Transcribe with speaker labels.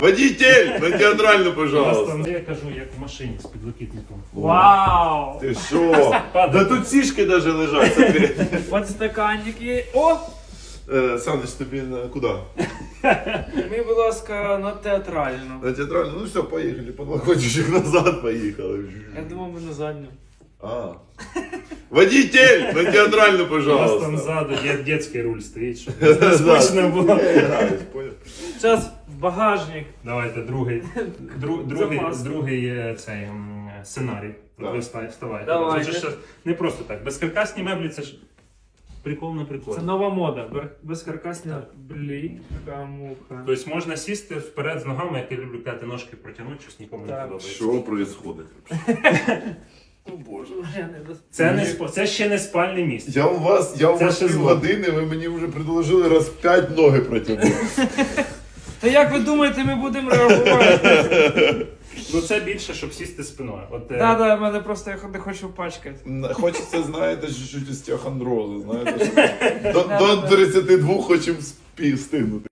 Speaker 1: Водитель, на театральну, пожалуйста.
Speaker 2: Я кажу, як в машині з підлокітником.
Speaker 3: Вау!
Speaker 1: Ти що? Да тут сішки даже лежать. Смотри.
Speaker 3: Подстаканники. О!
Speaker 1: Саныч, тобі на куди?
Speaker 3: Ми, будь ласка, на театральну.
Speaker 1: На театральну? Ну все, поїхали. Подлокотчик назад поїхали.
Speaker 3: Я думав, ми на задню.
Speaker 1: А. Водитель, на театральну,
Speaker 2: У нас
Speaker 1: пожалуйста.
Speaker 2: там ззаду дитячий руль стоїть, щоб не скучно було.
Speaker 3: Зараз в багажник.
Speaker 2: Давайте другий
Speaker 3: Запас.
Speaker 2: цей сценарій.
Speaker 1: Так.
Speaker 2: Ви вставайте.
Speaker 3: Давайте.
Speaker 2: Це ж не просто так. Безкаркасні меблі це ж прикол на прикол.
Speaker 3: Це нова мода. Безкаркасні блі. Така муха.
Speaker 2: Тобто можна сісти вперед з ногами, як я люблю казати, ножки протягнути, щось нікому не
Speaker 3: Так.
Speaker 2: подобається.
Speaker 1: Що происходит?
Speaker 3: О боже, я не до...
Speaker 2: Це ще не спальне місце.
Speaker 1: Я у вас
Speaker 2: ще зло.
Speaker 1: півгодини, ви мені вже предложили раз 5 ноги протягнути.
Speaker 3: Та як ви думаєте, ми будемо реагувати?
Speaker 2: Ну це більше, щоб сісти спиною.
Speaker 3: Да, в мене просто я не хочу пачкати.
Speaker 1: Хочеться, знаєте, чуть-чуть остеохондрозу, знаєте, що до 32 хочемо встигнути.